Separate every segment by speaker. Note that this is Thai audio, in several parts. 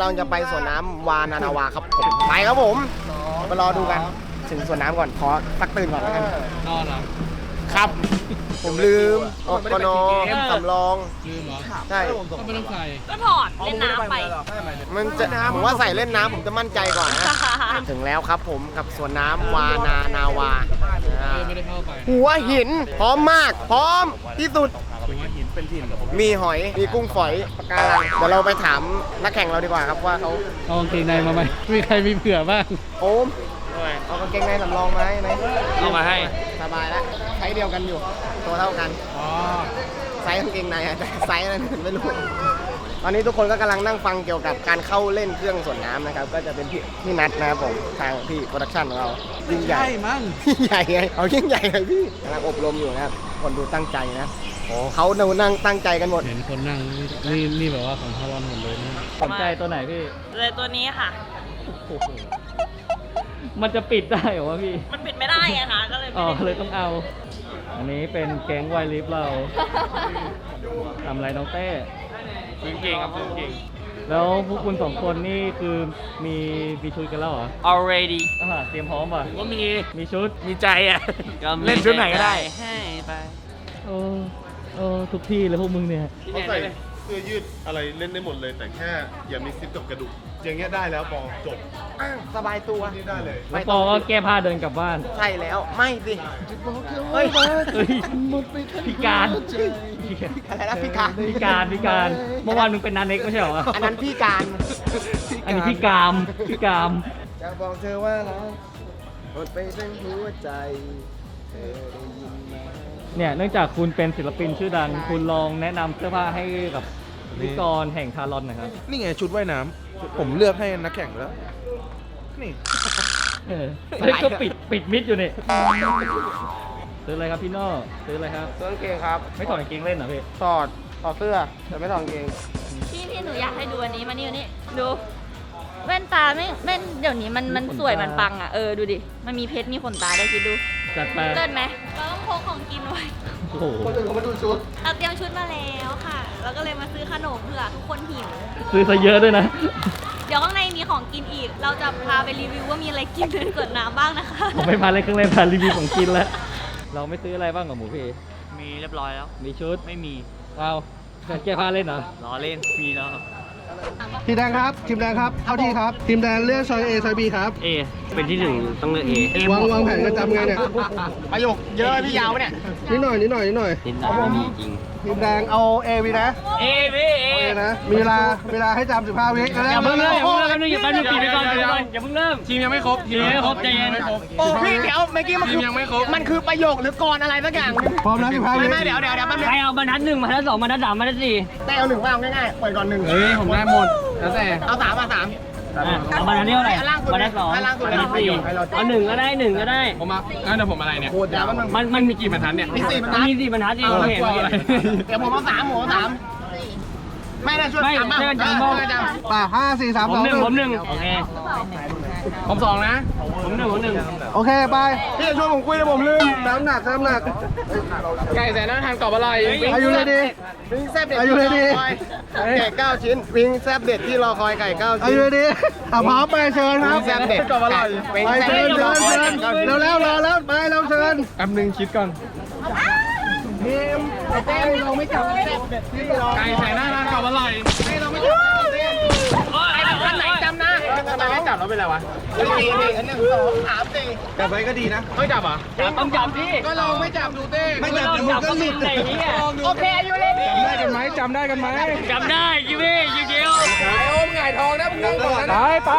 Speaker 1: ลังจะไปสวนน้ำวานานาวาครับผมไปครับผมไปรอดูกันถึงสวนน้ำก่อนขอตักตื่นก่อนแล้วกัน
Speaker 2: นอนเหรอ
Speaker 1: ครับ ผมลืมออกกนสำรอง
Speaker 2: ลืมเหรอ
Speaker 1: ใช่
Speaker 2: ก็ไม่ต้องใส่
Speaker 3: ก็ถอดเล่นน้ำไป
Speaker 1: มันจะผมว่าใส่เล่นน้ำผมจะมั่นใจก่อนนะถึงแล้วครับผมกับสวนน้ำวานานาวา
Speaker 2: ไม่ได้เข้าไป
Speaker 1: หัวหินพร้อมมากพร้อมที่สุด
Speaker 2: หัวหินเป็นถิ่น
Speaker 1: มีหอยมีกุ้งฝอยปะการังเดี๋ยวเราไปถามนักแข่งเราดีกว่าครับว่าเขา
Speaker 2: เอากางเกงในมาไหมมีใครมีเผื่อบ้าง
Speaker 1: โอมเอากางเกงในสำรองมาให้ไหม
Speaker 2: เอามาให้
Speaker 1: สบายแล้วไซส์เดียวกันอยู่ตัวเท่ากัน
Speaker 2: อ๋อ
Speaker 1: ไซส์กางเกงในอะแต่ไซส์อะไรไม่รู้ตอนนี้ทุกคนก็กำลังนั่งฟังเกี่ยวกับการเข้าเล่นเครื่องส่วนน้ำนะครับก็จะเป็นพี่นัทนะครับผมทางพี่โปรดักชั่นของเรายิ่งใหญ่
Speaker 2: ใช่มั้ง
Speaker 1: ยิ่งใหญ่ไงเอายิ่งใหญ่เลยพี่กำลังอบรมอยู่นะครับคนดูตั้งใจนะเขานั่งตั้งใจกันหมด
Speaker 2: เห็นคนนั่งนี่แบบว่าของฮารอนหมดเลยนะสนใจตัวไหนพี่
Speaker 3: เลยตัวนี้ค่ะ
Speaker 2: โอ้โหมันจะปิดได้เหรอวะพี่
Speaker 3: มันปิดไม่ได้ไงคะก็เลย
Speaker 2: อ๋
Speaker 3: ไม่
Speaker 2: อ
Speaker 3: ได้
Speaker 2: เลยต้องเอา อันนี้เป็นแก๊งไวลิฟเราทำอะไรน้องเต้
Speaker 4: ซื้อเก่งครับซื้อเก่ง
Speaker 2: แล้วพวกคุณสองคนนี่คือมีชุดกันแล้วเหรอ
Speaker 4: already
Speaker 2: เตรียมพร้อมป่ะ
Speaker 4: ก็มี
Speaker 2: ชุด
Speaker 4: มีใจอ่ะ เล่นชุดไหนก็ได้ ให้ไป
Speaker 2: โอ้ทุกที่เลยพวกมึงเนี่ย
Speaker 5: เขาใส่เสื้อยืดอะไรเล่นได้หมดเลย แต่แค่อย่ามีซิปกับกระดูกอย่างเงี้ยได้แล้วปอจบ
Speaker 1: สบายตัว
Speaker 5: นี่ได้เลย
Speaker 2: แล้วปอก็แก้ผ้าเดินกลับบ้าน
Speaker 1: ใช่แล้วไม่สิเฮ้ย
Speaker 2: เฮ้ยพิการ
Speaker 1: อะไรนะพี่การ
Speaker 2: พิการเมื่อวานมึงเป็นนันเน็กไม่ใช่เหรอ
Speaker 1: อันนั้นพี่การ
Speaker 2: อันนี้พี่กาม
Speaker 1: จะบอกเธอว่ารักหมดไปทั้งหัวใจเธอได้ยินไหม
Speaker 2: เนี่ยเนื่องจากคุณเป็นศิลปินชื่อดัง คุณลองแนะนำเสื้อผ้าให้กับพิธีกรแห่งคารอนหนะครับ
Speaker 6: นี่ไงชุดว่ายน้ำผมเลือกให้นักแข่งแล้ว นี่
Speaker 2: เฮ้ยก็ปิดมิดอยู่นี่ซื้ออะไรครับพี่โน่ซื้ออะไรครับ
Speaker 1: เสื้อกางเกงครับ
Speaker 2: ไม่ถอดกางเกงเล่นเหรอพี่
Speaker 1: ถอดเสื้อแต่ไม่ถอดกางเกง
Speaker 3: พี่หนูอยากให้ดูอันนี้มานี่ดูแว่นตาไม่เดี๋ยวนี้มันสวยมันปังอ่ะดูดิมันมีเพชรมีขนตาได้คิดดู
Speaker 2: จัดไป
Speaker 3: เลิศไหมเราต้องพกของกินไว้
Speaker 2: โอ้โห
Speaker 1: คนอื่นเขามาดูชุด
Speaker 3: เราเตรียมชุดมาแล้วค่ะแล้วก็เลยมาซื้อขนมเผื่อทุกคนหิว
Speaker 2: ซื้อซะเยอะด้วยนะ
Speaker 3: เดี๋ยวข้างในมีของกินอีก เราจะพาไปรีวิวว่ามีอะไรกินในสวนน้ำบ้างนะคะ
Speaker 2: ผมไม่พาเลยเครื่องเล่นพารีวิวของกินแล้ว เราไม่ซื้ออะไรบ้างกับหมูพี่
Speaker 4: มีเรียบร้อยแล้ว
Speaker 2: มีชุด
Speaker 4: ไม่มี
Speaker 2: เอาแก้ผ้าเล่นเหรอ
Speaker 4: ล้อเล่น มีแล้วครับ
Speaker 6: ทีมแดงครับ ทีมแดงครับ เข้าที่ครับ ทีมแดงเลือกซอย A ซอย B ครับ
Speaker 4: เอ เป็นที่หนึ่งต้องเลือกเอ
Speaker 6: วางแผนกันจำไงเนี่ย
Speaker 1: ประโยคเยอะพี่ยาวเนี่ย
Speaker 6: นิดหน่อย
Speaker 4: ติดตามไม่มีจริง
Speaker 6: ทีมแดงเอา A วีนะ
Speaker 4: เอพี่เอ
Speaker 6: A นะ มีเวลาให้จำ15 วิ
Speaker 4: อย่าเพิ่งเริ่มอย่าเพิ่งเริ่มปิดไปก่อนอย่าเพิ่งเริ่มทีมยังไม่ครบทีมยังไม่ครบใจเย็น
Speaker 1: โอ้พี่เดี๋ยวเมื่อกี้มันคือมันคือประโยคหรือกรอะไรสักอย่าง
Speaker 6: พร้อมนะ15 วิ
Speaker 1: ไม่เดี๋ยวแป๊บนึง
Speaker 4: ใครเอาบรรทัด1บรรทัด2บรรทัด3บรรทัด4
Speaker 1: แต่เอาหนึ่งว่าเอาง่ายๆเปิดก่อนหนึ่ง
Speaker 2: เฮ้ยผมได้หมด แล้วแต่
Speaker 1: เอาสามมาสาม
Speaker 4: เอาบรรทัดเท่าไหร่
Speaker 1: เอาล่างสุด
Speaker 4: บรรทัด2
Speaker 1: เอาล่างสุด
Speaker 4: บรรทัด4เอา1ก็ได้1ก็ได้
Speaker 2: ผมมางั้นเดี๋ยวผมอะไรเนี่ย
Speaker 1: โคตรยาวมัน
Speaker 4: มันมีกี่บรรทัดเนี่ย
Speaker 1: มี4บรรทั
Speaker 4: มั
Speaker 1: ด
Speaker 4: นมี4บรรทัดเองเห็น
Speaker 1: เดี๋ยวผมเอาสามไม่ได้ช่วย
Speaker 4: ไม่
Speaker 1: สาม
Speaker 4: เชื่อจำบ้าง
Speaker 1: จำ
Speaker 6: ป่ะ5 4 3
Speaker 4: ผม
Speaker 6: 2
Speaker 4: 1
Speaker 6: 1
Speaker 4: โอเค
Speaker 2: ผม2นะ
Speaker 4: ผม1
Speaker 6: โอเค ไป
Speaker 1: พี่จะช่วยผมคุยแล้วผมลืม
Speaker 6: น้ำหนัก
Speaker 2: ไก่แสนน่าทานกรอบอร่อย
Speaker 6: อายุเลยดี
Speaker 1: วิงแซบเด็ด
Speaker 6: อายุเลยดิ
Speaker 1: ไก่9ชิ้นวิงแซบเด็ดที่รอคอยไก่9
Speaker 6: อา
Speaker 1: ชิ้น
Speaker 6: ยุเลยดีพร้อมไปเชิญครับ
Speaker 1: วิงแซบเด็ดกรอบอร่อยวิง
Speaker 6: ไป
Speaker 1: แซบ
Speaker 6: เชิ
Speaker 1: เด็
Speaker 6: ญ
Speaker 1: ดที่ร
Speaker 6: เชิ
Speaker 1: อ
Speaker 6: ญ
Speaker 1: คอย
Speaker 6: เชิญ
Speaker 1: ไก่9ชิ้น
Speaker 6: เร็วรอแล้วไปเราเชิญ
Speaker 2: แป๊บนึงคิดก่อน
Speaker 1: ทีมเต้เราไม่จับแซบเด็ดที่รอ
Speaker 2: ไก่แสนน่าทานกรอบอร่อย
Speaker 1: เราไม่จับไอ้ท่านไหนจำนะทำไมไม่จับเราเป็นไรวะ4 1 2 3 4
Speaker 6: แต่ไปก็ดีนะ
Speaker 2: ไม่จับอ่ะ
Speaker 4: ต้องจับดิ
Speaker 1: ก็ลองไม่จับดูเต้
Speaker 6: ไม่จับเดี๋ยวมึงก็หลุด
Speaker 4: ไหนเนี่ย
Speaker 1: โอเคอายุเลยดิ
Speaker 6: ได้กันไหมจำได้กันไหม
Speaker 4: จำได้คิวพี่คิวเดียว
Speaker 1: ไอ้โอมหงายทองนะมึงนั่งก่อน
Speaker 6: ไป
Speaker 1: นะ
Speaker 6: ไป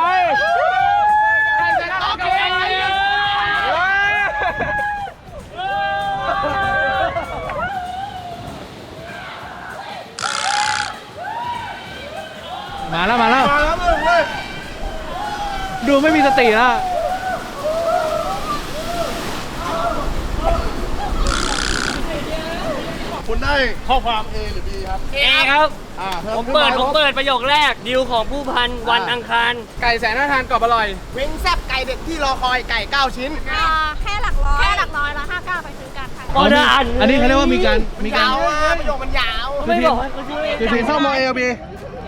Speaker 1: โอเค
Speaker 2: มาแล้ว
Speaker 1: มาแล้วมึงเลย
Speaker 2: ดูไม่มีสติแล้ว
Speaker 5: คุณได้ข้อความ A หรือ B ครับ
Speaker 4: เอครับ ผม
Speaker 5: ขึ้น
Speaker 4: เปิด
Speaker 5: า
Speaker 4: ผมเปิดประโยคแรกดิวของผู้พันวันอังคาร
Speaker 2: ไก่แสนน่าทานกรอบอร่อย
Speaker 1: วิงแซบไก่เด็ดที่รอคอยไก่9ชิ้น
Speaker 3: แค่หลักร้อยละ59ไปซื้อกันค่ะ
Speaker 4: ออเดอร์
Speaker 6: อันนี้เขาเรียกว่ามีการ
Speaker 1: ยาวอะประโยคมันยาว
Speaker 4: ไม่บอกให้เขาช่วย
Speaker 6: ทีมเข้ามอ A บี
Speaker 4: เ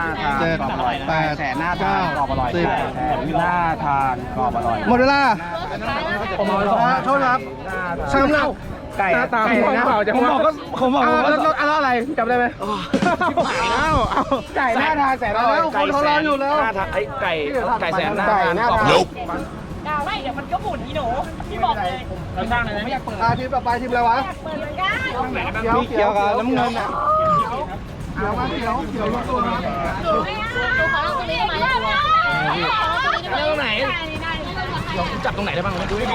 Speaker 6: ทานกรอบอร่อย8แสนหน้าทานกรอบอร่อย10หน้าทานกรอบอร่อยหมดเวลาผมเอาโทษครับช่างเราไก่ตามผมเปล่าจะผมบอกแล้วอะไรจำได้ไหมเอาไก่หน้าทานแสนอร่อยคนเขารออยู่แล้วไก่แสนหน้าทานกรอบอร่อย
Speaker 3: ดาวไม่เดี๋ยวมันก็หมุนนี่หนูพี่บอกเลย
Speaker 4: เราสร้างเลยนะ
Speaker 6: ทีมต่อไปทีมอะไรวะ
Speaker 3: เปิดเลยได้
Speaker 6: เขียวกับน้ำเงินอ่ะเขียวมาเขียวรวมตัวนะ
Speaker 3: หนูไม่เอาขอลองตัวนี้มาแล้วตรงไหนจับตรงไหนได้บ้างดูให้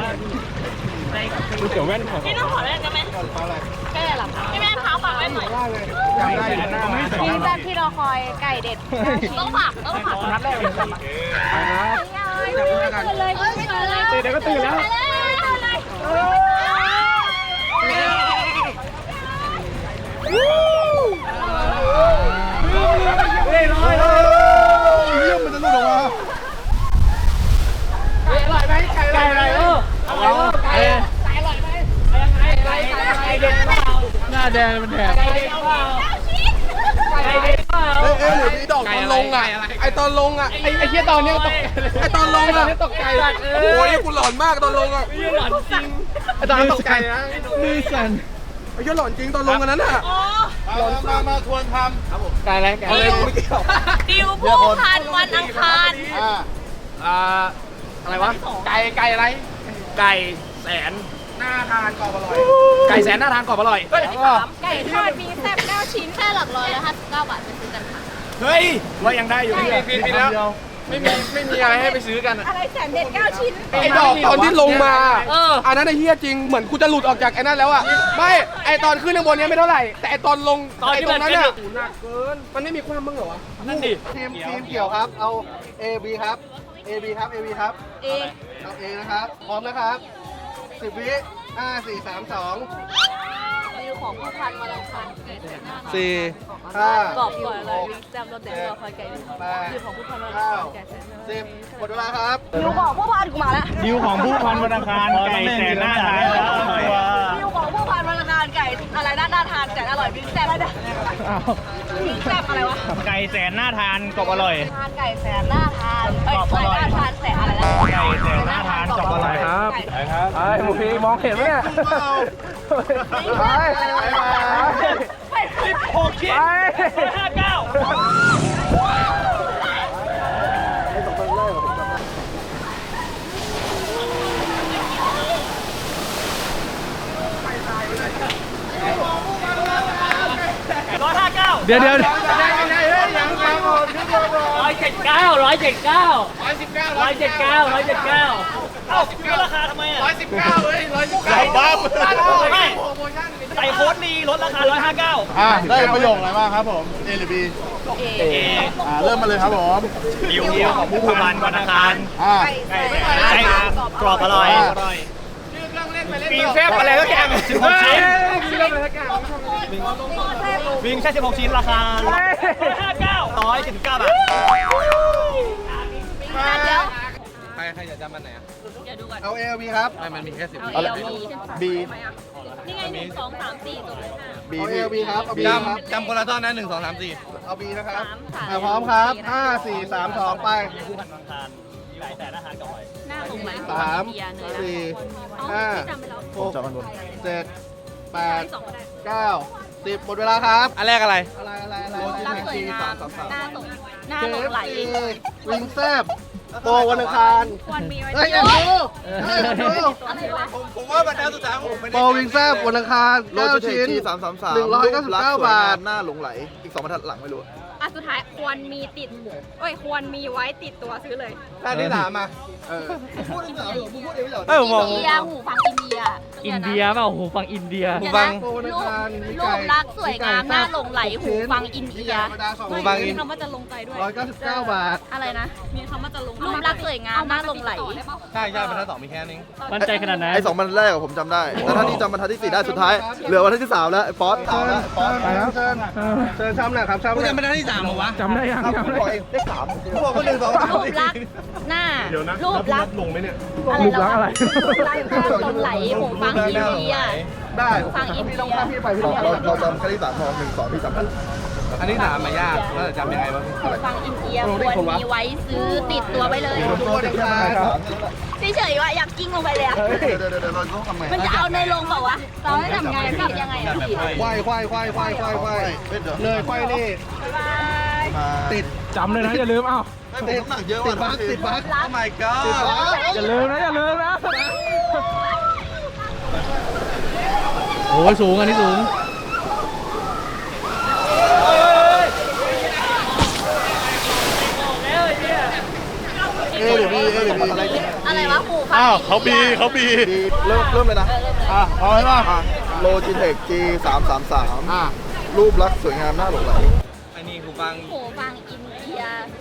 Speaker 3: ดูเกี่ยวแว่นพี่ต้องขอแว่นได้ไหมแก้หรอพี่แม่เท้าฝากแว่นหน่อย
Speaker 7: นี่แบบที่เราคอยไก่เด็ด
Speaker 3: ต้องฝากนัดแรกเลยตื่นเดี๋ยวก็ตื่นแล้ว
Speaker 4: ไก่อะไรหน้าแดงมันแดง
Speaker 6: หรือมีดอกตอนลงอ่ะไอตอนลงอ่ะไอเหี้ยตอนเนี้ยตกไอตอนลงอ่ะตกใจโอ้ยกูหลอนมากตอนลงอ่ะ
Speaker 4: หลอนจริง
Speaker 6: ไอตอนนั้นตกใจนะ
Speaker 2: มือสั่น
Speaker 6: ไอเหี้ยหลอนจริงตอนลงกันนั้นอ่ะหลอนมาทวนทำไก่อะไรไก่อะไรไม่เกี่ยว
Speaker 3: ดิวผู้พันวันอังคาร
Speaker 6: อะไรวะไก่อะไรไก่แสนหน้าทานกรอบอร่อยไก่แสนหน้าทานกรอบอร่อย
Speaker 7: ไก่ทอดมีแซ่บ9 ชิ้นแค่หลักร้อยแล้ว59 บาทไปซื้อกันค่ะ
Speaker 6: เฮ้ยว่ายังได้อยู่พี่แล้วไม่มีอะไรให้ไปซื้อกัน
Speaker 7: อะไรแสนเด็ด9 ชิ้น
Speaker 6: ไอ้ดอกตอนที่ลงมาอันนั้นไอ้เฮียจริงเหมือนกูจะหลุดออกจากไอ้นั่นแล้วอ่ะไม่ไอ้ตอนขึ้นข้างบนเนี้ยไม่เท่าไหร่แต่ไอ้ตอนลงไอ้ตรงนั้นเนี่ยหนักเกินมันไม่มีความมึงเหรอวะ
Speaker 4: นั่นดิ
Speaker 6: ทีมเกี่ยวครับเอา A B ครับ A B ครับ A B ครับ
Speaker 7: เอง
Speaker 6: เอาเองนะครับพร้อมนะครับ10 วิ5 4 3 2
Speaker 7: ดิวของผู้พันวันอังคารไก่แสนหน้า
Speaker 6: 4
Speaker 7: กรอบก่อนเลยวิ่งแซ่บรสแดงรอคอยไก่ดิวของผู้พันวันอังคารไก่แสนหน้า
Speaker 6: 10หมดเวลาครับ
Speaker 7: ดิวของผู้พันกูมาแล้ว
Speaker 4: ดิวของผู้พันวันอังคารไก่แสนหน้าทานแล้วอร่อย
Speaker 7: ดิวของผู้พันวันอังคารไก่อะไรน่าทานแสนอร่อยวิ่งแซ่บอะไรวิ่งแซ่บอะไรวะ
Speaker 4: ไก่แสนหน้าทานกรอบอร่อย
Speaker 7: ทานไก่แสนน่าทานไก่น่าทานแสนอะไรนะ
Speaker 4: ไก่แสนหน้าทานกรอบอร่อยครับ
Speaker 6: ไอ้หมูพีมองเห็นไหมเนี่ยไป
Speaker 4: 16 ชิ้น59
Speaker 2: เดี๋ยว
Speaker 4: 179 179 เอ้ามีราคาทำไมอ่ะ119เลย119บ้าไม่ใส่โค้ดดีลดราคา159
Speaker 5: ได้ประโยคอะไรบ้างครับผม A หรือ B เริ่มมาเลยครับผม
Speaker 4: ดิวของผู้พันวันอังคาร
Speaker 7: ไก่
Speaker 4: ไก่กรอบอร่อยปีแฟบอะไรก็แกง16 ชิ้นวิ่งแค่16 ชิ้นราคา159 บาท
Speaker 7: เดี๋ยว
Speaker 6: ใครจะจำมันไหนอ่ะ
Speaker 3: เดี๋ยวดูก่อน
Speaker 6: เอา A เอา B ครับ
Speaker 5: มันมีแค่10
Speaker 3: เอาเอลบี
Speaker 5: B
Speaker 3: นี่ไง1 2 3 4จบเลยค่ะ
Speaker 5: B
Speaker 6: เอา A เอา B ครับเอา B ครับ
Speaker 5: จำคนละท่อนนะ1 2 3 4
Speaker 6: เอา B นะครับ
Speaker 3: 3
Speaker 6: พร้อมครับ5 4 3 2ไป
Speaker 4: ผู้พันวันอังคารมีหลายแต่หน้าทานกรอบอร่อย
Speaker 3: หน้าของไหน
Speaker 6: 3
Speaker 3: เบียร์เนย
Speaker 6: 4
Speaker 3: นะ
Speaker 6: 5
Speaker 3: จำไปแล้ว
Speaker 6: 6 7
Speaker 3: สองก็ได้
Speaker 6: 8 9 10หมดเวลาครับ
Speaker 5: อันแรกอะไร
Speaker 6: อะไร
Speaker 3: รักสวยงามหน้าสงหน้าหลงไหล
Speaker 6: วิงแซบโปวันอังคาร
Speaker 7: ควรมีไว้
Speaker 6: เฮ้ย
Speaker 7: เที่ยว
Speaker 6: ดู
Speaker 3: อะไรวะ
Speaker 5: ผมว่าบรรดาสุดท้ายผมไม่ได้
Speaker 6: โปวิงแซบวันอังคาร9 ชิ้น 199 บาท
Speaker 5: หน้าหลงไหล อีก2บรรทัดหลังไม่รู้
Speaker 7: อ่ะสุดท้ายควรมีติดควรมีไว้ติดตัวซื้อเลย
Speaker 6: ด้านที่3อ่ะพูดที่3เหรอพูดเองไม่เหรอ
Speaker 3: อินเดียหูฟังอินเดีย
Speaker 2: อินเดียเปล่าหูฟังอินเดีย
Speaker 3: เดี๋ยวนะรูปลักษณ์สวยงามน่าหลงไหลหูฟังอินเดีย
Speaker 6: หูฟังอิน
Speaker 7: คำว่าจะลงใจด้วย
Speaker 6: 199 บาท
Speaker 3: อะไรนะ
Speaker 7: มีคำว่าจะลง
Speaker 3: รูปลักษณ์สวยงามน่าหลงไหล
Speaker 6: ใช่บรรทัด2มีแค่นี้
Speaker 2: มั่นใจขนาดไหน
Speaker 5: ไอ้2บรรทัดแรกผมจำได้ แต่ถ้านี่จำบรรทัดที่ 4 ได้สุดท้าย เหลือบรรทัดที่ 3 แล้วไอ้ป๊อตเอาแล้วป๊อต
Speaker 6: ไปครับเชิญช้ำหน่อยครับช้ำหน่อยจำบรรทัดที่3เหรอวะจำได้ยัง
Speaker 5: ครับผมบอกเองได้3ผมบอกว่า1 2 3
Speaker 3: รูปลักษณ์หน้า
Speaker 5: เดี๋ยวนะ
Speaker 3: รูปลักษณ์
Speaker 5: ลงไหมเนี่ย
Speaker 3: รูปลักษณ์อะไรรูปลักษณ์น่าหลงไหลหูฟังอินเดีย
Speaker 5: ได้
Speaker 3: ฟังอินเดีย
Speaker 5: พี่ไปพี่เราจำแค่ที่3พอ1 2พี่จำได้
Speaker 6: อันที่3มายากแล้วจำยังไงวะ
Speaker 3: หูฟังอินเดียควรมีไว้ซื้อติดตัวไว้เลย
Speaker 5: ตัวเด็กชาย
Speaker 3: เฉยๆว่าอยากกิ้งลงไปเลยอะ
Speaker 5: เดี๋ยวเราต้องทำไง
Speaker 3: มันจะเอาในลงเปล่าวะเราให้ทำไงพี่ยังไงอะพี่
Speaker 6: ควายเลยควายนี่ ติดจำเลยนะอย่าลืมเอ้า
Speaker 5: ติดน้ำหนักเยอะว่ะติดบั๊ก
Speaker 3: รัก
Speaker 5: my god
Speaker 6: อย่าลืมนะโอ้ยสูงอันนี้สูง
Speaker 5: เดี๋ยวพี่อะไร
Speaker 3: อะไรวะหูฟัง
Speaker 5: เขาบีเริ่มเลยนะพอไหมล่ะโลจิเทค G333 รูปลักษณ์สวยงามน่าหลงไหล
Speaker 6: อันนี้หูฟัง
Speaker 3: หูฟังอินเดีย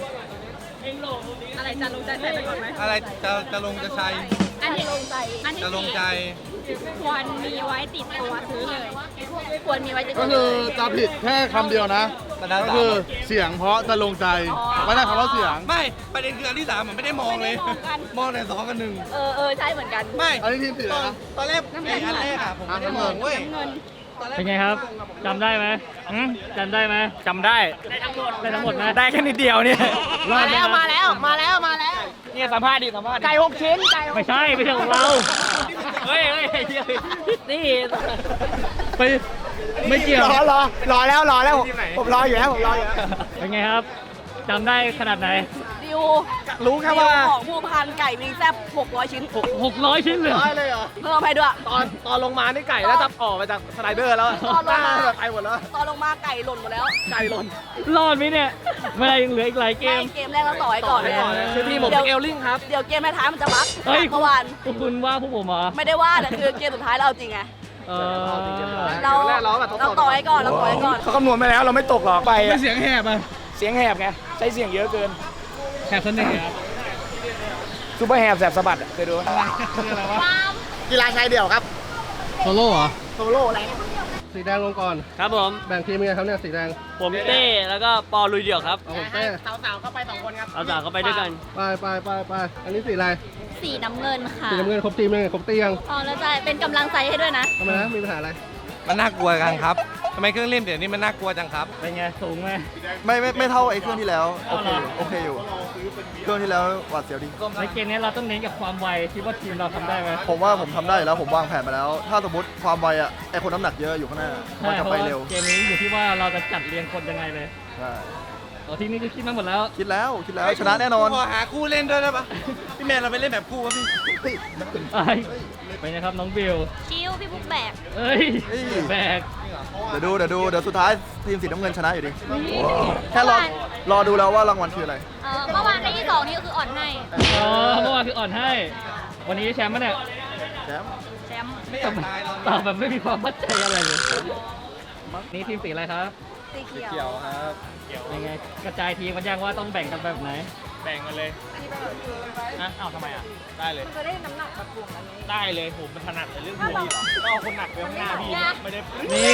Speaker 7: อะไรจะลงใจใส่ไปก่อนไหม
Speaker 6: อะไรจะลงจะใช้
Speaker 3: อันที่ลงใจ
Speaker 7: อันที่
Speaker 6: จะลงใจ
Speaker 7: ควรมีไว้ติดตัวซื้อเลย
Speaker 3: ควรมีไว้ติด
Speaker 5: ก็
Speaker 3: ตัว
Speaker 5: คือจะผิดแค่คำเดียวนะ ก็คือเสียงเพราะจะลงใจไม่ได้คำว่าเสียง
Speaker 6: ไม่ประเด็นคืออันที่3ผมไม่ได้มองเลย มองแต่2กับ1
Speaker 3: เออใช่เหมือนกัน
Speaker 6: ไม่
Speaker 5: อันนี้ทีมสีอะไรนะ
Speaker 6: ตอนแรกไอ้อันแรกอะผมไม่ได้มองเว้ย
Speaker 2: เป็นไงครับจำได้ไหมจำได้ไหม
Speaker 4: จำได้
Speaker 2: ได้ทั้งหมดนะ
Speaker 4: ได้แค่นิดเดียวเนี่ย
Speaker 3: มาแล้วมาแล้ว
Speaker 4: เนี่ยสัมภาษณ์ดิสัมภาษณ์ดิ
Speaker 3: ไก่6 ชิ้นไก่
Speaker 2: ไม่ใช่ไม่ใช่ของเรา
Speaker 4: เฮ้ย
Speaker 3: นี่
Speaker 2: ไปไม่เกี่ยว
Speaker 1: รอแล้วผมรออยู่แล้วผมรออยู่แล้ว
Speaker 2: เป็นไงครับจำได้ขนาดไหน
Speaker 3: ดิว
Speaker 4: รู้แค่ว่า
Speaker 7: ของผู้พันไก่วิงแซ่บ600 ชิ้น
Speaker 2: 600 ชิ้นเลย
Speaker 1: เลยเหรอ
Speaker 7: เพิ่มให้ด้วย
Speaker 4: ตอนลงมานี่ไก่แล้วจะออกมาจากสไลเดอร์แล้ว
Speaker 7: ตอนลงมา
Speaker 4: ไปหมดแล้ว
Speaker 7: ตอนลงมาไก่หล่นหมดแล้ว
Speaker 4: ไก่หล่น
Speaker 2: รอดไหมเนี่ยไม่ได้ยังเหลืออีกหลายเก
Speaker 7: ไม่
Speaker 2: ม
Speaker 7: เกมแรกเราต่อให้ก่อนเลย
Speaker 4: คือทีมผมเป็นเอลลิงครับ
Speaker 7: เดี๋ยวเกมท้ายๆมันจะบั๊ก
Speaker 2: เฮ้ย
Speaker 7: เมื่อวาน
Speaker 2: พวกคุณว่าพวกผมเหรอ
Speaker 7: ไม่ได้ว่าแต่คือเกมสุดท้ายเราเอาจริงไง
Speaker 2: เออ
Speaker 7: เราต่อให้ก่อน
Speaker 4: เขาคำนวณไปแล้วเราไม่ตกหรอกไป
Speaker 6: ไม่เสียงแหบอ่ะ
Speaker 4: เสียงแหบไงใช้เสียงเยอะเกิน
Speaker 6: แหบเสน่ห์ครับ
Speaker 4: ซูเปอร์แหบแสบสะบัดอะเคยดูไหม
Speaker 1: กีฬาชายเดี่ยวครับ
Speaker 6: โซโล่เหรอ
Speaker 1: โซโล่อะไร
Speaker 6: สีแดงลงก่อน
Speaker 4: ครับผม
Speaker 6: แบ่งทีมยังไงครับเนี่ยสีแดง
Speaker 4: ผมเต้แล้วก็ปอลุยเดี่ยวครับ
Speaker 6: เอาผมเต้
Speaker 1: สาวๆเข้าไป2 คนครับ
Speaker 4: เอาจากเขาไปด้วยกัน
Speaker 6: ไปอันนี้สีอะไร
Speaker 3: สีน้ำเงินค่ะ
Speaker 6: สีน้ำเงินครบทีมยังครบเตียง
Speaker 3: อ๋อแล้วใจเป็นกำลังใจให้ด้วยนะ
Speaker 6: ทำไมนะมีปัญหาอะไร
Speaker 8: มันน่ากลัวกันครับ ทำไมเครื่องเล่นเดี๋ยวนี้มันน่ากลัวจังครับ
Speaker 2: เป็นไงสูงไหม
Speaker 5: ไม่เท่าไอ้เครื่องที่แล้ว โอเคอยู่ เครื่องที่แล้วหวาดเสียวดี
Speaker 2: ในเกมนี้เราต้องเน้นกับความไวคิดว่าทีมเราทำได้ไหม
Speaker 5: ผมว่าผมทำได้อยู่แล้วผมวางแผนมาแล้ว ถ้าสมมติความไวอ่ะไอคนน้ำหนักเยอะอยู่ข้างหน้ามัน
Speaker 2: ใช่
Speaker 5: จะ
Speaker 2: เพราะ
Speaker 5: ไป
Speaker 2: ว่า
Speaker 5: เร็ว
Speaker 2: เกมนี้อยู่ที่ว่าเราจะจัดเรียงคนยังไงเลย
Speaker 5: ใช่
Speaker 2: ทีนี้คือคิดมาหมดแล้ว
Speaker 5: คิดแล้วชนะแน่นอน
Speaker 8: ขอหาคู่เล่นด้วยได้ปะพี่แมนเราไปเล่นแบบคู่วะพี่
Speaker 2: เป็นไงครับน้องบิว
Speaker 3: ชิวพี่บุ๊กแบก
Speaker 2: เอ้ยแบก
Speaker 5: เดี๋ยวสุดท้ายทีมสีน้ำเงินชนะอยู่ดี แค่รอดูแล้วว่ารางวัลคืออะไร
Speaker 3: เมื่อวานได้ที่2นี่ก็คืออ่อนให้
Speaker 2: อ๋อเมื่อวานคืออ่อนให้ วันนี้แชมป์มั้ยเนี่ย
Speaker 5: แชมป์
Speaker 3: แชมป์
Speaker 8: ไม่อยากตายตอน
Speaker 2: ตอบแบบไม่มีความมั่นใจอะไรเลยนี่ทีมสีอะไรครับ
Speaker 3: สีเขียว
Speaker 2: ยังไงกระจายทีมกันยังว่าต้องแบ่งกันแบบไหน
Speaker 4: แบ่งกันเลยนะเอาทำไมอ่ะ ได้เลย
Speaker 7: จะได้น้ำหนักกระทวงอันนี้
Speaker 4: ได้เลยผมเป็นถนัดในเรื่องพวกนี้ก็เอาคนหนักไปข้างหน้าพี่ไม่ได้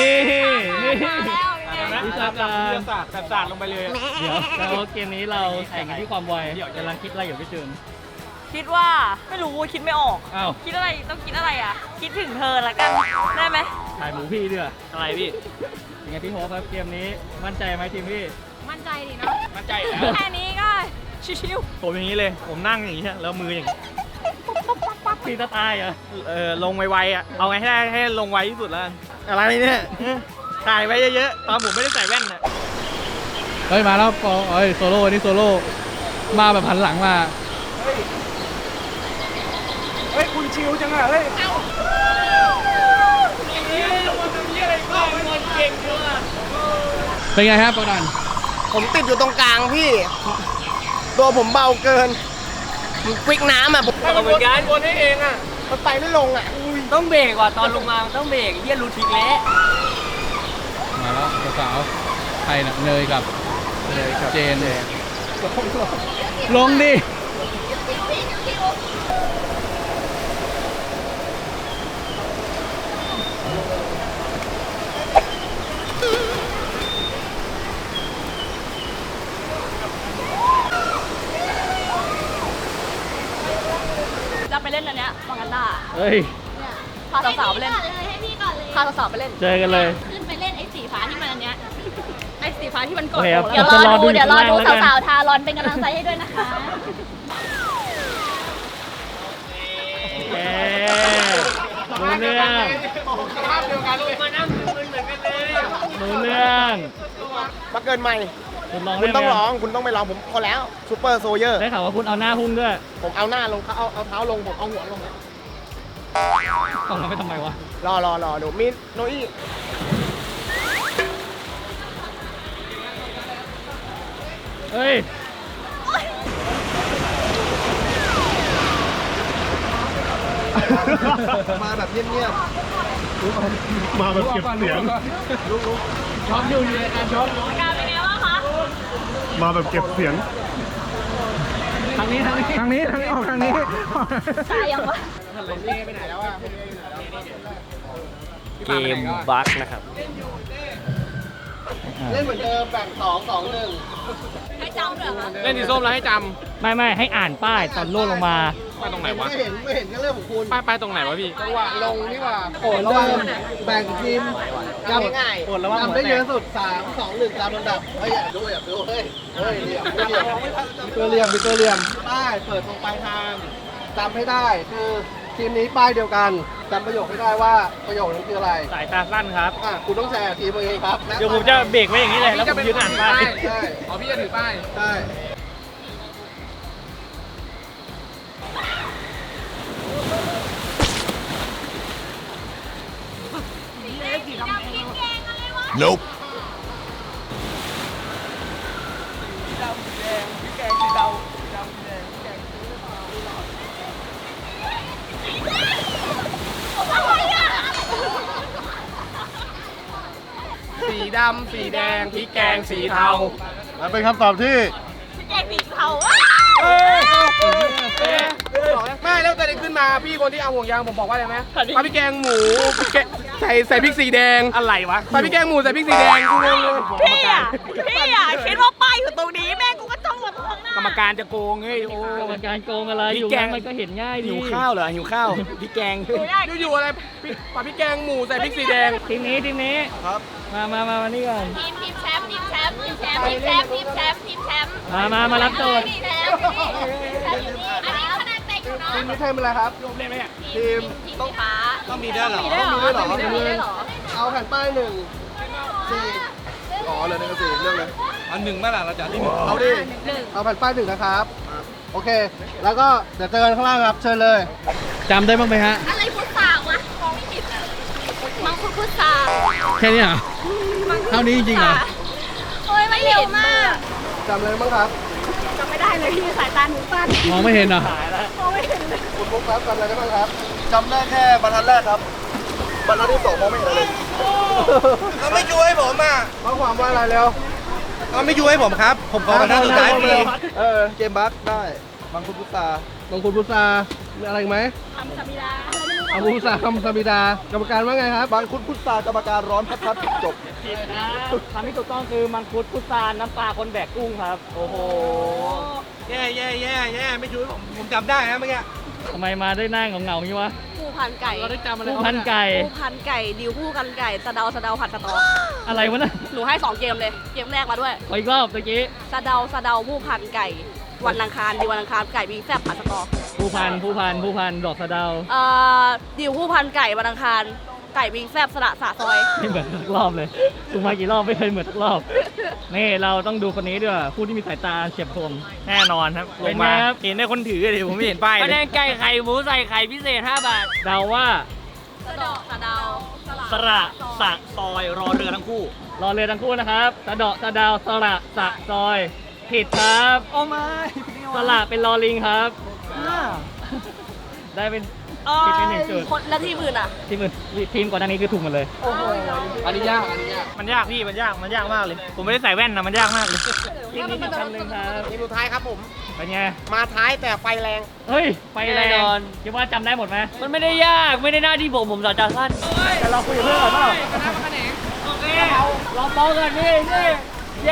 Speaker 2: นี่วิชาการ
Speaker 4: วิทยาศาสตร์ศาสตร์ลงไปเลย
Speaker 2: เดี๋ยวแล้วเกมนี้เราแข่งกันที่ความไวกำลังคิดอะไรอยู่พี่จูน
Speaker 7: คิดว่าไม่รู้คิดไม่ออก
Speaker 2: อ้าว
Speaker 7: คิดอะไรต้องคิดอะไรอ่ะ คิดถึงเธอละกันได้ไหม
Speaker 2: ถ่ายหมูพี่ด้วย
Speaker 4: อะไรพี่
Speaker 2: ยังไงพี่โฮปครับเกมนี้มั่นใจไหมทีมพี่
Speaker 7: มั่นใจดีเนาะ
Speaker 4: มั่นใจอยู่แล้ว
Speaker 7: แค่นี้ก็ชิว
Speaker 4: ผมอย่างนี้เลย ผมนั่งอย่างนี้แล้วมืออย่างนี้
Speaker 2: พี่จะตายเหรอ
Speaker 4: ลงไวๆอ่ะ เอาไงให้ได้ให้ลงไวที่สุดแล้วกันอะไรเนี่ยถ่ายไว้เยอะๆ ตอนผมไม่ได้ใส่แว่นน่ะ
Speaker 6: เฮ้ยมาแล้วปอเอ้ยโซโล่นี่โซโล่มาแบบหันหลังมา
Speaker 4: เฮ้ย คุณชิวจังอ่ะ เฮ้ย
Speaker 6: เป็นไงครับปอดัน
Speaker 1: ผมติดอยู่ตรงกลางพี่ ตัวผมเบาเกินผมควิกน้ำอ่ะผม
Speaker 4: เหมือนกันวนให้เองอ่ะ
Speaker 1: มันไปไม่ลงอ่ะ
Speaker 4: ต้องเบรกว่ะตอนลงมามันต้องเบรกเฮียรูทิกแล้ว
Speaker 8: มาแล้วสาวใครน่ะเนยกับเจนลงดิ
Speaker 7: จะไปเล่นอันเนี้ยมองกันด้า
Speaker 2: เฮ้ย
Speaker 7: พาสาวๆไปเล่น
Speaker 3: ให้พี่ก่อนเลย
Speaker 7: พาสาวๆไปเล่น
Speaker 2: เจอกันเลย
Speaker 3: ขึ้นไปเล่นไอ้สีฟ้าที่มันอันเนี้ย
Speaker 7: ไอ้สีฟ้าที่มันก
Speaker 2: โอ
Speaker 7: ด
Speaker 2: เคครับ
Speaker 3: เดี๋ยวร
Speaker 2: จะ
Speaker 3: อ
Speaker 2: รอดู
Speaker 3: ดูเดี๋ยวรอดู
Speaker 2: อยู่ข้างล่างแล้วกัน
Speaker 3: สาวๆทารอนเป็นกำลังใจให้ด้วยนะคะ
Speaker 2: เอ๊รู้เรื่องรู้เรื่อง
Speaker 1: มาเกินใหม่
Speaker 2: คุณลอง
Speaker 1: คุ
Speaker 2: ได้
Speaker 1: ณ
Speaker 2: ไหม
Speaker 1: ต้องร้องคุณต้องไปร้องผมพอแล้วซูเปอร์โซเยอร์
Speaker 2: ได้ข่าวว่าคุณเอาหน้าหุ้มด้วย
Speaker 1: ผมเอาหน้าลงเขาเอาเท้าลงผมเอาหัวลงนะ
Speaker 2: ต้องมาไปทำไมวะ
Speaker 1: รอดูมีโนอี้
Speaker 2: เฮ้ย
Speaker 5: มาแบบเงียบ
Speaker 6: มาแบบเก็บเสียง
Speaker 2: ช็อปอยู่ในการช็อป
Speaker 7: การเป็นไงบ้างคะ
Speaker 6: มาแบบเก็บเสียง
Speaker 2: ทางนี้ทางนี้
Speaker 6: ทางนี้ออกทางนี้
Speaker 3: ตายยังวะ
Speaker 4: เกมบั๊กนะครับ
Speaker 1: เล่นเหมือนเดิมแบ่ง2-2-1
Speaker 7: ให้จำเหรอคะ
Speaker 8: เล่นสีส้มแล้วให้จ
Speaker 2: ไม่ให้อ่านป้ายตอนโล่ลงมา
Speaker 8: ำไปตรงไหนวะ
Speaker 1: ไม่เห็นก็เรื่องของคุณ
Speaker 8: ไปตรงไหนวะพี่
Speaker 1: จังหวะลงนี่ว่า
Speaker 5: ๆโอนเดิมแบ่งทีม
Speaker 1: จำง่ายๆจำได้เยอะสุด 3-2-1 ตามลำดับเฮ้ยอย่าดูเฮ้ยเหลี่ยมเหลี่ยมป้ายเปิดตรงปลายทางจำให้ได้คือทีมนี้ป้ายเดียวกันจำประโยคให้ได้ว่าประโยคนั้นคืออะไร
Speaker 2: สายตาสั้นครับ
Speaker 1: คุณต้องแชร์ทีมตัวเองครับ
Speaker 2: เดี๋ยวผมจะเบรกไว้อย่างนี้เลยแล้วผมยืนอ่านป้าย
Speaker 1: ใช่
Speaker 8: อ๋อพี่จะถือป้าย
Speaker 1: ใช่
Speaker 8: สีดำสีแดงพริกแกงสีเทา
Speaker 6: และเป็นคำตอบที่
Speaker 7: แกงสีเทา
Speaker 8: ไม่แล้วตอนนี้ขึ้นมาพี่คนที่เอาห่วงยางผมบอกว่าอะไรไหมปลาพริกแกงหมูใส่พริกสีแดงอะไรวะปลาพริกแกงหมูใส่พริกสีแดงกูงงเลย
Speaker 7: พี่อ่ะคิดว่าป้ายอยู่ตรงนี้แม่กูก็จ้องมาตรงหน้าก
Speaker 4: รรมการจะโกงเฮ้ยโอ้
Speaker 2: กรรมการโกงอะไร
Speaker 4: พริ
Speaker 2: อก ยู่
Speaker 4: แกง
Speaker 2: มันก็เห็นง่ายดี
Speaker 4: หิวข้าวเหรอหิวข้าวพริกแกง
Speaker 8: อยู่ๆอะไรปลาพริกแกงหมูใส่พริกสีแดง
Speaker 2: ทีมนี้
Speaker 5: ครับ
Speaker 2: มานี่ก่อน
Speaker 3: ทีมแชมป์ทีมแชมป์ทีมแชมป์ทีมแชมป์ทีมแชมป์
Speaker 2: มารับโจทย์
Speaker 3: ทีมแชมป์อันนี้คะแนนเต็งอยู่เนาะ
Speaker 5: ทีมนี้เทมอะไรครับ ทีม
Speaker 3: ทีมสีฟ้า
Speaker 8: ต้องมีด้วยเหรอ
Speaker 7: มีได้เหรอ
Speaker 3: มีได้เหรอ
Speaker 5: เอาแผ่นป้าย1 4อ๋อเหลย1 กับ 4เรื่องเลย
Speaker 8: อันหนึ่งเมื่อไหร่เราจะที่หนึ่ง
Speaker 5: เอาดิ เอาแผ่นป้าย1นะครับ โอเค แล้วก็เดี๋ยวเจอกันข้างล่างครับ เชิญเลย
Speaker 2: จำได้บ้างไหมฮะ
Speaker 3: อะไรพุทธาวะมองไม่ผิดอะมังคุดพุทธา
Speaker 2: แค่นี้เหรอ เท่านี้จริงๆเหรอ
Speaker 3: โอ้ยมันเร็วมาก
Speaker 5: จำอะไรบ้างครับ
Speaker 7: จำไม่ได้เลยที่สายตาหนูสั้น
Speaker 2: มองไม่เห็นเหรอ
Speaker 7: มองไม่เห็นเลย
Speaker 5: คุณบุ๊คครับจำอะไรได้บ้างครับจำได้แค่บรรทัดแรกครับบรรทัดที่2มองไม่เห็นเลย
Speaker 8: เขาไม่ช่วยผมอ่ะ
Speaker 5: ข้อความว่าอะไรแล้ว
Speaker 8: เขาไม่ช่วยผมครับ ผมขอบรรทัดสุดท้ายพี่
Speaker 5: เกมบัคได้บางคุณพุทธาบางคุณพุทธามีอะไรอีกไหม
Speaker 7: ทำสมิดา
Speaker 5: บางคุณพุทธาคำสมิดากรรมการว่าไงครับบางคุณพุทธากรรมการร้อนพัดจบ
Speaker 2: ผิดนะคำที่ถูกต้องคือมังคุดพุทรานน้ำปลาคนแบกกุ้งครับ โอ้โห
Speaker 8: แย่ไม่ช่วยผมจำได้นะเมื่อกี้
Speaker 2: ทำไมมาได้หน้าเหงาๆอย่างนี้วะ
Speaker 7: ผู้พันไก่
Speaker 8: เราได้จำอะไร
Speaker 2: ผู้พันไก่
Speaker 7: ผู้พันไก่ดิวผู้กันไก่สะเดาผัดสะตอ
Speaker 2: อะไรวะน่ะ
Speaker 7: หนูให้2เกมเลย เกมแรกมาด้วย
Speaker 2: ขออีกรอบตะกี้
Speaker 7: สะเดาผู้พันไก่ วันอังคารดิววันอังคารไก่วิงแซ่บผัดสะตอ
Speaker 2: ผู้พันดอกสะเดา
Speaker 7: ดิวผู้พันไก่วันอังคารไก่วิงแซ่บสละสะซอย
Speaker 2: ไม่เหมือนทุกรอบเลยถูกมากี่รอบไม่เคยเหมือนทุกรอบ นี่เราต้องดูคนนี้ด้วยผู้ที่มีสายตาเฉียบคม
Speaker 4: แน่นอนครับล
Speaker 2: เป็น
Speaker 4: ง
Speaker 2: ไง
Speaker 4: มา
Speaker 2: ครับ
Speaker 4: เห็นได้คนถือเลยผมไม่เห็นป้ายเลยคะแนนไก่ไข่หมูใส่ไข่พิเศษ5 บาท
Speaker 2: เดาว่า
Speaker 7: สะเดาสะเดา
Speaker 4: สระสะซอยรอเรือทั้งคู่
Speaker 2: รอเรือทั้งคู่นะครับสะเดาะสะดาวสระสะซอย ผิดครับ
Speaker 4: โอ้ไม่
Speaker 2: สระเป็นลอลิงครับ ได้เป็นผิดไป1 จุด
Speaker 7: คนแล้วทีมอื่นอ่ะ
Speaker 2: ทีมก่อนหน้านี้คือถูกหมดเลย
Speaker 1: อันนี้ยากอันนี้ยาก
Speaker 4: มันยากพี่มันยากมากเลย ผมไม่ได้ใส่แว่นนะมันยากมากเลย
Speaker 2: ทีมนี้อีกคำหนึ่งครับ
Speaker 8: ทีมสุดท้ายครับผม
Speaker 2: เป็นไง
Speaker 8: มาท้ายแต่ไฟแรง
Speaker 2: เฮ้ย ไปแร
Speaker 4: แน่นอง น
Speaker 2: คิดว่าจำได้หมดไหม
Speaker 4: มันไม่ได้ยากไม่ได้หน้าที่ผมสอนจากท่าน
Speaker 2: แต่เราคุยกับเพื่อนก่อนเปล่า
Speaker 4: โอเคเราโตกันนี่เย้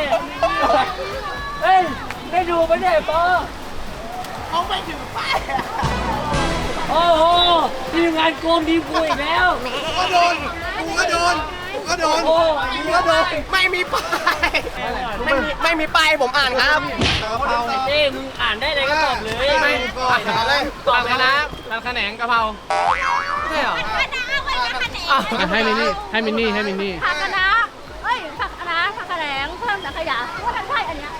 Speaker 4: เฮ้ยได้ดูไหมเนี่ยปอเขาไม่ถึงป้ายโอ้โหทีมงานโกงทีมกูอีกแล้ว
Speaker 8: ก็โดน กูก็โดน
Speaker 4: โอ้
Speaker 8: ไม่มีป้ายไม่มีป้ายผมอ่านครับ
Speaker 4: เต้มึงอ่านได้เลยก็ตอบเลย
Speaker 8: ตอบนะ
Speaker 4: ร้านขนงกะเพราใช่เหรอ
Speaker 7: ให้มินนี่ผักคะน้าเอ้ยผักคะน้าผักกระแหลงเพิ่มสังขยาว่าทันใช่อันเนี้ย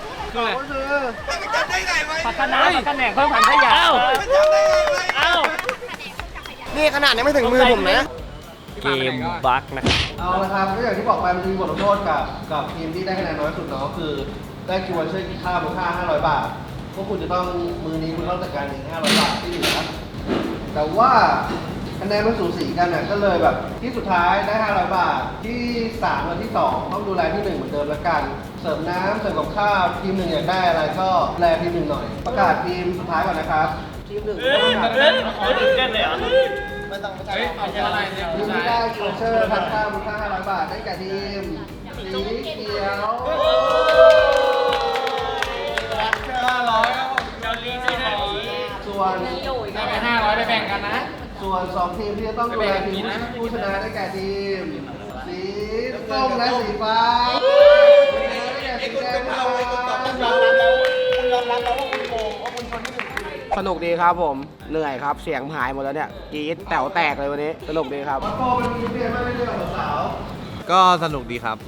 Speaker 2: ผักคะน้าผักคะแหนงเพิ่มผันขยะ
Speaker 4: เอ้า
Speaker 8: นี่ขนาดยังไม่ถึงมือผมนะ
Speaker 4: เกมบั๊กนะ
Speaker 1: เอาละครับก็อย่างที่บอกไปมันจะมีบทลงโทษกับทีมที่ได้คะแนนน้อยสุดเนาะคือได้คิววันเชอร์กินข้าวมูลค่า500 บาทพวกคุณจะต้องมือนี้คุณต้องจัดการเอง500 บาทที่เหลือแต่ว่าคะแนนมันสูสีกันน่ะก็เลยแบบที่สุดท้ายได้500 บาทที่3และที่2ต้องดูแลที่1เหมือนเดิมละกันเสริมน้ำเสริมกับข้าวทีม1อยากได้อะไรก็แลทีม1หน่อยประกาศทีมสุดท้ายก่อนนะครับทีม1
Speaker 4: ตื่นเต้นเลยเหรอ
Speaker 1: ทีมที่ได้คิววันเชอร์ทานข้าวมูลค่า500 บาทได้แก่ทีมสีเขียว ส่วนได้ไป500ไปแบ่งกันนะ ส่วน2ทีมที่จะต้องดูแลทีมผู้ชนะได้แก่ทีมสีส้มและสีฟ้าได้แก่สีแดงครับ
Speaker 8: สนุกดีครับผม เหนื่อยครับ เสียงหายหมดแล้วเนี่ยกรี๊ดแต๋วแตกเลยวันนี้ สนุกดีครับ
Speaker 1: วัดโปเป็นทีมที่ไม่ได้เรื่องของสาว
Speaker 5: ก็สนุกดีครับ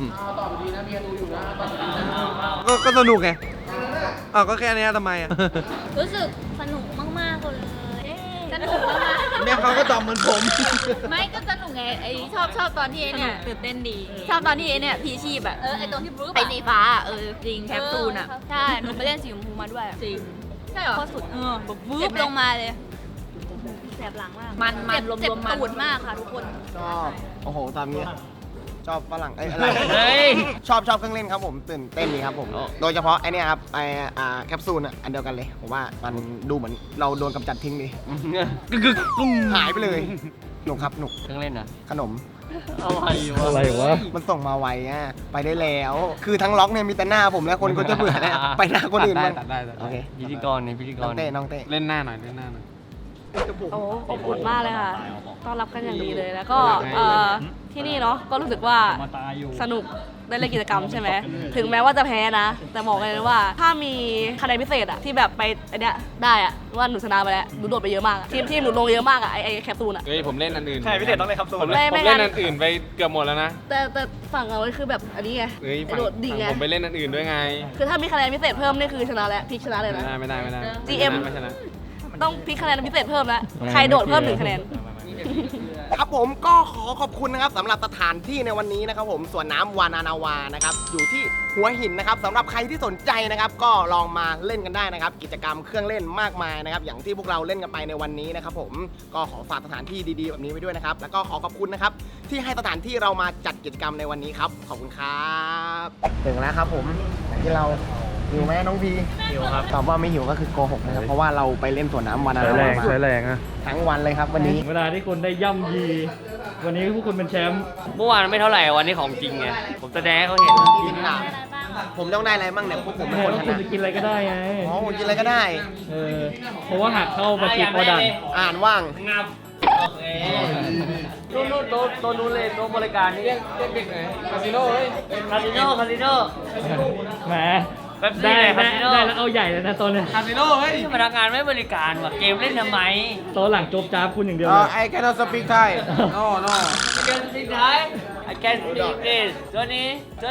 Speaker 5: ก็สนุกไงอ้าวก็แค่นี้ทำไมอ่ะ
Speaker 3: รู้สึกสนุกมากๆเลยสนุกมากๆ
Speaker 5: แม่เขาก็ตอบเหมือนผม
Speaker 3: ไม่ก็สนุกไงไอชอบตอนที่ไอเนี่ยตื่นเต้นดี ชอบตอนที่ไอเนี่ยพีชีพอะไอตอนที่บรู๊ไอสีฟ้าจริงแคปซูลอะใช่หนูไปเล่นสีชมพูมาด้วยจริงใช่เหรอโคตรสุดแบบวืบลงมาเลยแสบหลังมากมันรวมมันตูดมากค่ะทุกคน
Speaker 8: ชอบ โอ้โหตามนี้ชอบฝรั่งอะไร
Speaker 4: เฮ้ย
Speaker 8: ชอบเครื่องเล่นครับผมตื่นเต้นดีครับผม โดยเฉพาะไอเนี่ยครับแคปซูลอันเดียวกันเลย ผมว่ามันดูเหมือนเราโดนกำจัดทิ้งดิหายไปเลยหนุกครับหนุก
Speaker 4: เครื่องเล่นอ่ะ
Speaker 8: ขนม
Speaker 2: อะไรวะ
Speaker 8: มันส่งมาไวอ่ะไปได้แล้ว คือทั้งล็อกเนี่ยมีแต่หน้าผมแล้วคนก็จะเบื่อแล้วไปหน้าคนอื่นบ้างโอเค
Speaker 4: พิธีกรนี่พิธีก
Speaker 8: น้อ
Speaker 4: รง
Speaker 8: เต้น้องเต้
Speaker 5: เล่นหน้าหน่อยเล่นหน้าหน่อย
Speaker 7: โอ้อบอุ่นมากเลยค่ะ ต้อนรับกันอย่างดีเลย แล้วก็ที่นี่เนาะ ก็รู้สึกว่าสนุกได้เล่นกิจกรรมใช่ไหม ถึงแม้ว่าจะแพ้นะ แต่บอกเลยนะว่าถ้ามีคะแนนพิเศษอะที่แบบไปไอเนี้ยได้อะว่าหนูชนะไปแล้ว หนูโดดไปเยอะมากอะทีมหนูลงเยอะมากอะไอแคปซูลอะ
Speaker 5: เฮ้ยผมเล่นอันอื่น
Speaker 4: ใช่พิเศษต้องเล่นครับโซน
Speaker 7: ไม่
Speaker 5: ผมเล่นอันอื่นไปเกือบหมดแล้วนะ
Speaker 7: แต่ฝั่งเราคือแบบอันนี้ไง
Speaker 5: เฮ้ย
Speaker 7: ไอโดดดิ่งไง
Speaker 5: ผมไปเล่นอันอื่นด้วยไง
Speaker 7: คือถ้ามีคะแนนพิเศษเพิ่มนี่คือชนะแล้วพลิกชนะเลยนะ
Speaker 5: ไม่ได้
Speaker 7: GM
Speaker 5: ไม่ชนะ
Speaker 7: ต้องพลิกคะแนนพิเศษเพิ่มแล้ว ใครโดดเพิ่ม1 คะแนน
Speaker 8: ครับผมก็ขอขอบคุณนะครับสำหรับสถานที่ในวันนี้นะครับผมสวนน้ำวานานาวานะครับอยู่ที่หัวหินนะครับสำหรับใครที่สนใจนะครับก็ลองมาเล่นกันได้นะครับกิจกรรมเครื่องเล่นมากมายนะครับอย่างที่พวกเราเล่นกันไปในวันนี้นะครับผมก็ขอฝากสถานที่ดีๆแบบนี้ไว้ด้วยนะครับแล้วก็ขอขอบคุณนะครับที่ให้สถานที่เรามาจัดกิจกรรมในวันนี้ครับขอบคุณครับถึงแล้วครับผมอย่างที่เราหิวไหมน้องพีหิวครับตอบว่าไม่หิวก็คือโกหกนะครับเพราะว่าเราไปเล่นสวนน้ำวานานาวามา
Speaker 2: ใช้แรงอะ
Speaker 8: ทั้งวันเลยครับวันนี้
Speaker 2: เวลาที่คุณได้ย่ำยี วันนี้พวกคุณเป็นแชมป์
Speaker 4: เมื่อวานไม่เท่าไหร่วันนี้ของจริงไงผมแสดงให้เขาเห็น
Speaker 8: กินหนักผมต้องได้อะไรบ้างเนี่ยพวกผมเป็น
Speaker 2: โอ้
Speaker 8: คน
Speaker 2: แล้ว
Speaker 8: ช
Speaker 2: คุณ
Speaker 8: นะ
Speaker 2: จะกินอะไรก็ได้ไง
Speaker 8: อ๋อผมกินอะไรก็ได้
Speaker 2: เพราะว่าหักเข้ามาจิตโอดัน
Speaker 8: อ่านว่าง
Speaker 4: งับโอเคนู่นตัวนู้นเลยตัวบริการนี่เด็กไหนคาสิโน่คาสิโน่
Speaker 2: แหม
Speaker 4: แป๊บซี่
Speaker 2: ได้
Speaker 4: เลยคา
Speaker 2: ได้
Speaker 4: สิโน่
Speaker 2: ได้แล้วเอาใหญ่เลยนะตัวเนี้ย
Speaker 4: คาสิโน่เฮ้ยพนักงานไม่บริการว่ะเกมเล่นทำไม
Speaker 2: ตัวหลังโจบจ้าบคุณอย่างเดียวเลย
Speaker 8: I cannot speak Thai no
Speaker 4: เกมสุดท้าย I can speak this ตัวนี้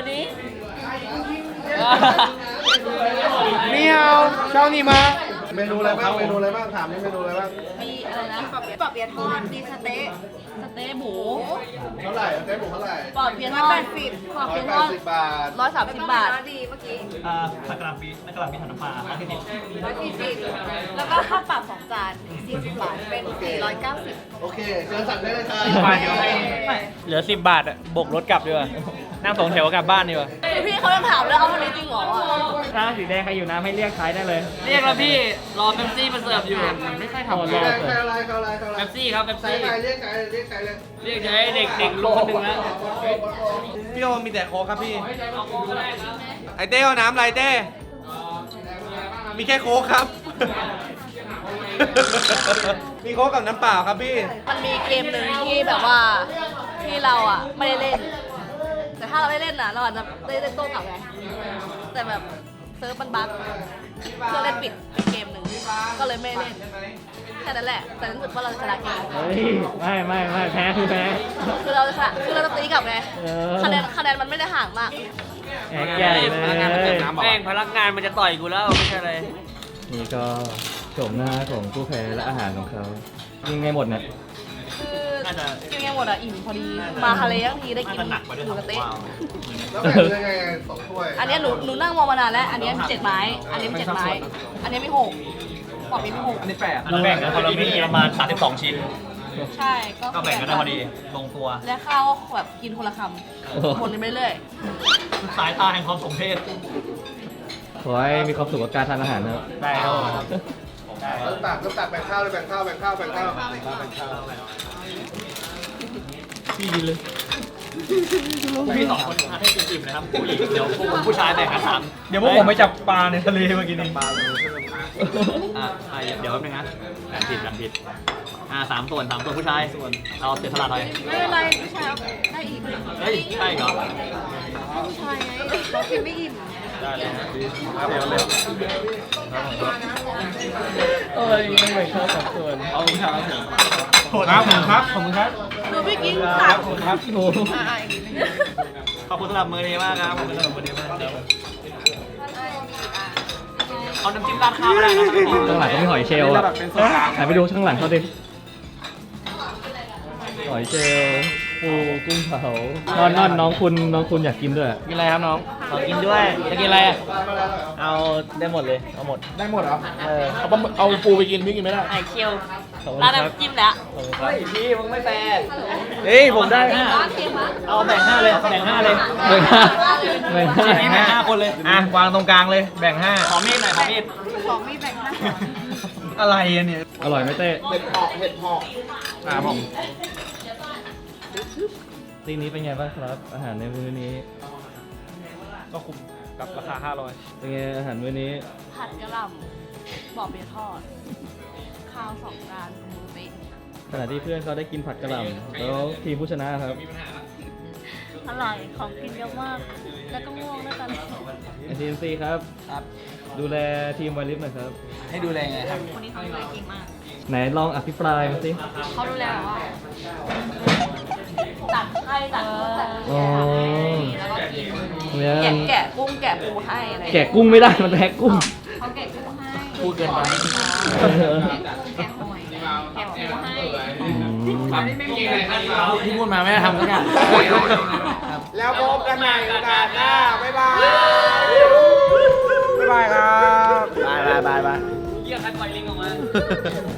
Speaker 8: นี่เอาเช้านี้มา
Speaker 1: เมนูอะไรบ้างเมนูอะไรบ้างถามนี่เมนูอะไรบ้าง
Speaker 7: มีอะไรนะปอบเปี๊ยะทอดมีสเต๊ะหมู
Speaker 1: เท่าไหร่เจ๊หมูเท่าไหร่
Speaker 7: ปอดเพียง180ปอดเพียง
Speaker 1: 180 บาท
Speaker 7: 130 บาท
Speaker 4: ผักกะหล่ำปีถังน้ำปลา
Speaker 7: 140แล้วก็ข้าวเปล่า2 จาน40 บาทเป็น490
Speaker 1: โอเคเชิญสั่งได้เลยครับ
Speaker 4: เหลือ10 บาทบกรถกลับดีกว่านั่ง2 แถวกลับบ้านดีกว่า
Speaker 7: พี่เขายังถามเลยเอาวันนี้จริงเหรอ
Speaker 2: ถ้าสีแดงใครอยู่น้ำให้เรียกใช้ได้เลย
Speaker 4: เรียกแล้วพี่รอเป๊ปซี่มาเสิร์ฟอยู่มันไม่ค่อยทำ
Speaker 2: รอ
Speaker 1: ใครอะไร
Speaker 4: เป๊ปซี่ครับเป๊ป
Speaker 1: ใคร
Speaker 4: ซี่
Speaker 1: เรียกใครเลย
Speaker 4: เรียกใช้เด็กลูกคนหนึ่งแล้ว
Speaker 6: พี่โอมีแต่โค้กครับพี่ ไอเต้เอาน้ำอะไรเต้ มีแค่โค้กครับ มีโค้กกับน้ำเปล่าครับพี่
Speaker 7: มันมีเกมหนึ่งที่แบบว่าที่เราอ่ะไม่ได้เล่น แต่ถ้าเราได้เล่นอ่ะเราอาจจะได้เล่นโต้กลับไงแต่แบบเซิร์ฟมันบั๊กเครื่องเล่นปิดเป็นเกมหนึ่งก็เลยไม่เล่นแค่นั้นแหละแต่รู้สึกว่าเราจะชนะเกม
Speaker 2: เฮ้ย ไม่แพ้คือแพ้
Speaker 7: คือเราจะชนะคือเราจะตีกลับไง
Speaker 2: เออ
Speaker 7: คะแนนมันไม่ได้ห่างมาก
Speaker 2: แอกใหญ่เลย
Speaker 4: แม่งพนักงานมันจะต่อยกูแล้วไม่ใช่เลย
Speaker 2: นี่ก็โฉมหน้าของผู้แพ้และอาหารของเขายิงไงหมดเนี่ย
Speaker 7: คือกินไงหมดอ่ะอิ่มพอดีมาทะเลทั้งทีได้กินหมูกระเต๊ะ
Speaker 1: แล้วแบ่งยังไง2 ถ้วย
Speaker 7: อันเนี้ยหนูนั่งมองมานานแล้ว อันเนี้ยมี7 ไม้ อันเนี้ยมี7 ไม้ อันเนี้ยมี6บอกมี6
Speaker 6: อันนี้8
Speaker 4: เราแบ่งกันคนละมีประมาณ32 ชิ้น
Speaker 7: ใช่ก็
Speaker 4: ก็แบ่งกันได้พอดีลงตัว
Speaker 7: และข้าวก็แบบกินคนละคำหมดไปเรื่อย
Speaker 4: สายตาแห่งความสมเพช
Speaker 2: ขอให้มีความสุขกับการทานอาหารนะครับ
Speaker 4: ได้ครับ
Speaker 1: เริ่มตักแบ่งข้าวเลยแบ่งข้าว
Speaker 2: พี่กินเลย
Speaker 4: พี่2 คนทานให้อิ่มๆนะครับผู้หญิงเดี๋ยวพวกผมผู้ชายแบ่งกัน3
Speaker 6: เดี๋ยวพวกผมไปจับปลาในทะเลเมื่อกี้นี้
Speaker 4: เดี๋ยวแป๊บนึงนะแบ่งผิด3 ส่วนผู้ชายเอาเสียสละหน่อย
Speaker 7: ๆไม่เป็นไรผู้ชายได้อีก
Speaker 4: เฮ้ยใช่เหรอ
Speaker 7: ผู้ชายไงเรากินไม่อิ่ม
Speaker 4: ได้เลย
Speaker 2: โอ้ยยังไม่เข้าสัดส่วน
Speaker 4: เอาคุณครับ
Speaker 6: ครับผมครับ
Speaker 7: หนูไม่กินตับ
Speaker 2: ครับโอ้
Speaker 4: ขอบคุณสำหรับมือดีมากครับขอบคุณสำหรับมือดีมากครับเอาน้ำจิ้มราดข้าวก็ได้นะครับ
Speaker 2: ข้างหลังก็มีหอยเชลล์อ่ะถ่ายไปดูข้างหลังเขาดิหอยเชลล์ปูกุ้งเผานอนน้องคุณอยากกินด้วย
Speaker 4: กินอะไรครับน้องขอกินด้วยจะกินอะไรอ่ะเอาได้หมดเลยเอาหมด
Speaker 6: ได้หมดเหรอเอาปูไปกินพี่กินไม่ได้
Speaker 3: ไอเคียว
Speaker 2: ขอบคุณ
Speaker 3: ร้าน
Speaker 2: ครับ
Speaker 3: น้ำจิ้มแล้ว
Speaker 4: เฮ้ยพี่มึงไม่แฟร์เฮ้ยผมได้เอาแบ่ง5เลยแบ่ง5เลย
Speaker 2: แบ่งห้าแบ่งห้า
Speaker 4: แบ่ง5คนเลย
Speaker 6: อ่ะวางตรงกลางเลยแบ่ง
Speaker 4: ขอมีดหน่อยขอมีด
Speaker 6: 5อะไรอ่ะเนี่ย
Speaker 2: อร่อยไหมเต้
Speaker 1: เห็ดหอก
Speaker 6: ผม
Speaker 2: ซีนี้เป็นไงบ้างครับ อาหารในมื้อนี้
Speaker 6: ก็คุ้มกับราคา500
Speaker 2: เป็นไงอาหารมื้อนี้
Speaker 7: ผัดกะหล่ำบอกเบียร์ทอด ข้าว2 จานหมูเต๊ะ
Speaker 2: ขณะที่เพื่อนเขาได้กินผัดกะหล่ำแล้วทีมผู้ชนะครับ
Speaker 3: อร่อย ของกินเยอะมาก แล้วก็ง่วงด้วยกัน
Speaker 2: ทีมซีครับ ดูแลทีมไวลิฟหน่อยครับ
Speaker 6: ให้ดูแลไงครับ
Speaker 3: คนนี้เขาดูแลเก่งมาก
Speaker 2: ไหนลองอภิปรายมาสิ
Speaker 3: เขาดูแลแบบว่า
Speaker 7: ตัดให้ตัดเนื้อตัด
Speaker 2: อ๋อ
Speaker 7: แล้วก็กิน
Speaker 2: เนี่ย
Speaker 7: แกะกุ้งแกะปูให้อะไร
Speaker 2: แกะกุ้งไม่ได้มันแพ้กุ้ง
Speaker 3: เขาแกะกุ้งให้
Speaker 4: พูดเกินไป
Speaker 3: แกะหอยแกะปูให้
Speaker 4: ที่พูดมาไม่ได้ทำสักอย่าง
Speaker 6: แล้วพบกันใหม่โอกาสหน้าบ๊ายบายบ๊ายบายครับ
Speaker 4: บายเยี่ยมคัดไวลิงออกมา